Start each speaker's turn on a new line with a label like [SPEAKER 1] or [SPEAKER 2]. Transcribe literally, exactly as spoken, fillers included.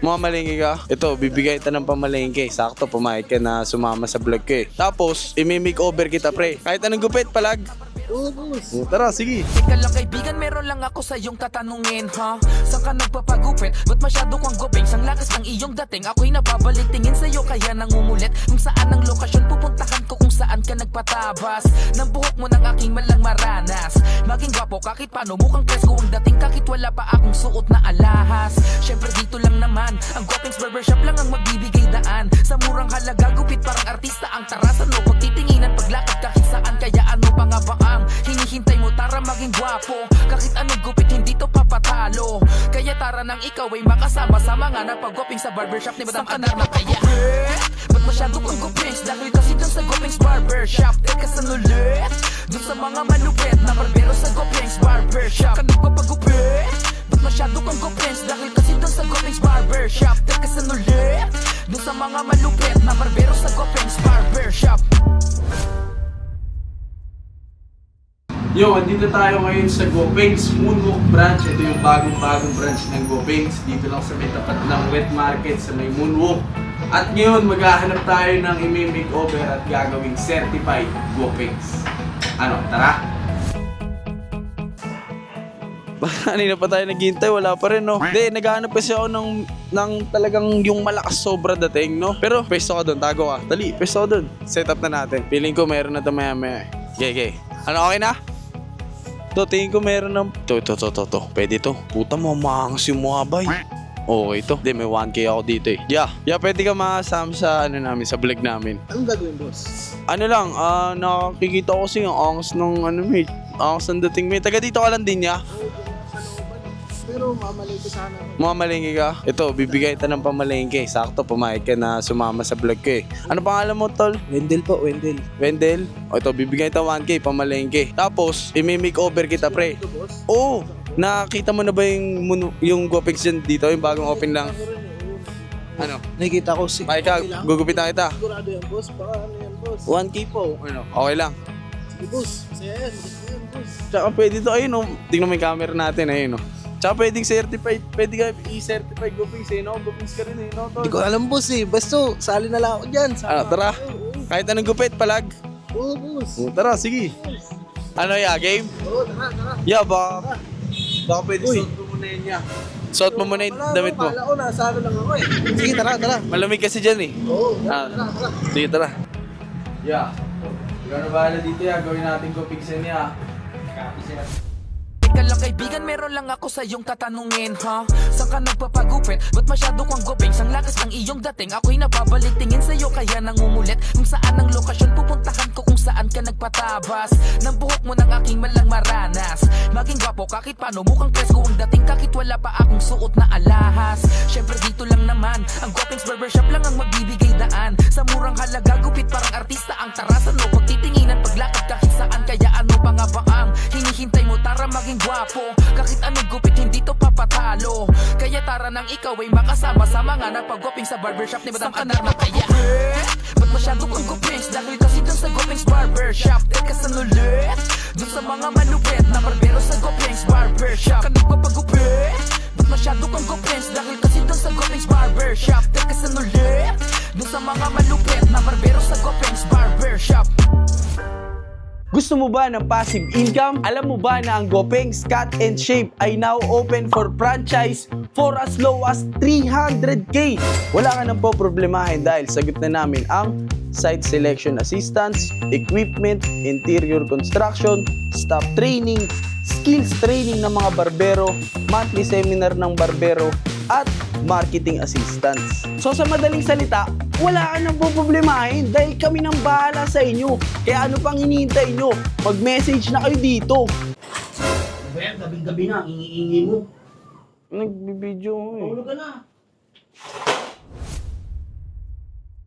[SPEAKER 1] Mamalengke ka? Ito, bibigay kita ng pamalengke. Sakto, pumayag ka na sumama sa vlog ko eh. Tapos, imi-makeover kita, pre. Kahit anong gupit, palag.
[SPEAKER 2] Oo, boss.
[SPEAKER 1] O, tara, sige.
[SPEAKER 3] Ika lang kaibigan, meron lang ako sa iyong tatanungin, ha? Saan ka nagpapagupit? Ba't masyado kang guping? Sang lakas ng iyong dating, ako'y nababalik tingin sa'yo kaya nangungulit. Kung saan ang lokasyon, pupuntahan ko kung saan ka nagpatabas ng buhok mo ng aking malang maranas. Maging gwapo kahit paano, mukhang presko ang dating kahit wala pa akong suot na alahas. Syempre dito lang naman, ang Gopeng's Barbershop lang ang magbibigay daan. Sa murang halaga, gupit parang artista ang tarasan mo. Pagtitinginan, paglakad kahit saan, kaya ano pa nga ba ang hinihintay mo? Tara maging gwapo, kahit anong gupit hindi to papatalo. Kaya tara nang ikaw ay makasama sa mga napag-goping sa barbershop ni Madam Ana na kaya. Ba't masyado kang gupings? Dahil kasi dun sa Gopeng's Barbershop. Teka saan ulit? Dun sa mga malupit na barbero sa Gopeng's Barbershop. Ka nagpapagupit? Ba't masyado kang gupings? Dahil kasi dun sa Gopeng's Barbershop. Teka saan ulit? Dun sa mga malupit na barbero sa Gopeng's Barbershop.
[SPEAKER 1] Yo, andito tayo ngayon sa Gopeng's Moonwalk branch. Ito yung bagong-bagong branch ng Gopeng's. Dito lang sa may tapat ng wet market sa may Moonwalk. At ngayon, maghahanap tayo ng imi-makeover at gagawing certified Gopeng's. Ano, tara? Kanina pa tayo naghihintay, wala pa rin, no? Hindi, naghahanap kasi ako ng, ng talagang yung malakas sobra dating, no? Pero, pesto ka doon, tago ka. Dali, pesto ka doon. Set up na natin. Feeling ko meron na ito maya-maya. Okay, okay. Ano, okay na? To, tingin ko meron ng... To, to, to, to, to. Pwede to. Puta mo, maangas yung mukha, bay. Okay to. Hindi, may one K ako dito eh. Yeah, yeah, pwede ka makasama sa, ano namin, sa vlog namin.
[SPEAKER 2] Anong gagawin, boss?
[SPEAKER 1] Ano lang, ah, nakikita ko kasi yung angas ng, ano, mate. Angas ng dating, mate. Taga dito ka lang din, ya?
[SPEAKER 2] Oo, dyan ako sa looban. Pero mamalengke sana.
[SPEAKER 1] Mamalengke ka? Ito, bibigay kita ng pamalengke. Sakto, pumayag ka na sumama sa vlog ko eh. Ano pangalan mo, tol?
[SPEAKER 2] Wendell po, Wendell.
[SPEAKER 1] Wendell? O ito, bibigay kita one K, pamalengke. Tapos, imi-makeover kita, pre.
[SPEAKER 2] Ito, boss.
[SPEAKER 1] Oo! Nakita mo na ba yung, mun- yung Gopeng's dyan dito? Yung bagong open lang? Ano?
[SPEAKER 2] Nakikita ko si...
[SPEAKER 1] Ay ka, gugupit na kita.
[SPEAKER 2] Sigurado yan, boss. Baka ano yan, boss.
[SPEAKER 1] one K po. Ano? Okay lang.
[SPEAKER 2] Sige, boss. Masaya yan. Masaya yan, boss.
[SPEAKER 1] Tsaka pwede to, ayun o. Tingnan mo yung camera natin, ayun o. Tsaka pwedeng certified, pwede ka i-certified Gopeng's eh, no? Gopeng's ka rin eh, no?
[SPEAKER 2] Hindi ko alam, boss eh. Basta, sali na lang ako dyan.
[SPEAKER 1] Ano, tara. Kahit anong gupit, palag.
[SPEAKER 2] Oo, boss.
[SPEAKER 1] O, tara, sige. Ano ya, game?
[SPEAKER 2] Oo, tara, tara.
[SPEAKER 1] Yeah, baka, baka pwede
[SPEAKER 2] Uy.
[SPEAKER 1] suot mo muna yun ya. Suot mo muna yung damit mo.
[SPEAKER 2] Kala ko, nasa ano lang ako eh. Sige, tara, tara.
[SPEAKER 1] Malamig kasi dyan eh.
[SPEAKER 2] Oo,
[SPEAKER 1] Ah,
[SPEAKER 2] tara, tara.
[SPEAKER 1] sige, tara. Yeah. Ikaw na bahala dito ya, gawin natin Gopeng's yan ya.
[SPEAKER 3] Ika lang kaibigan, meron lang ako sa iyong tatanungin, ha? Saan ka nagpapagupit? Ba't masyado kang guping? Sang lakas ng iyong dating, ako'y nababalik tingin sa'yo kaya nangungulit. Kung saan ang lokasyon, pupuntahan ko kung saan ka nagpatabas ng buhok mo ng aking malang maranas. Maging gwapo kahit paano, mukhang presko ang dating kahit wala pa akong suot na alahas. Syempre dito lang naman, ang Gopeng's Barbershop lang ang magbibigay daan. Sa murang halaga, gupit parang artista ang tarasan mo. Pagtitinginan, paglakad kahit saan, kaya ano pa nga ba ang hinihintay mo? Tara maging gwapo, kahit anong gupit hindi to papatalo. Kaya tara nang ikaw ay makasama sa mga napag-goping sa barbershop ni Madam Ana na kaya. Ba't masyado kang gupings? Dahil kasi dun sa Gopeng's Barbershop. Teka saan ulit? Dun sa mga malupit na barbero sa Gopeng's Barbershop. Ka nagpapagupit? Ba't masyado kang gupings? Dahil kasi dun sa Gopeng's Barbershop. Teka saan ulit? Dun sa mga malupit na barbero sa Gopeng's Barbershop.
[SPEAKER 1] Gusto mo ba ng passive income? Alam mo ba na ang Gopeng's Cut and Shape ay now open for franchise for as low as three hundred K? Wala ka nang po problemahin dahil sagot na namin ang site selection assistance, equipment, interior construction, staff training, skills training ng mga barbero, monthly seminar ng barbero, at marketing assistance. So sa madaling salita, wala ka nang poproblemahin dahil kami nang bahala sa inyo. Kaya ano pang hinihintay nyo? Mag-message na kayo dito.
[SPEAKER 2] Well, gabing-gabi na, ingi-ingi mo.
[SPEAKER 1] Nagbibideo ko eh.
[SPEAKER 2] Tulog ka na.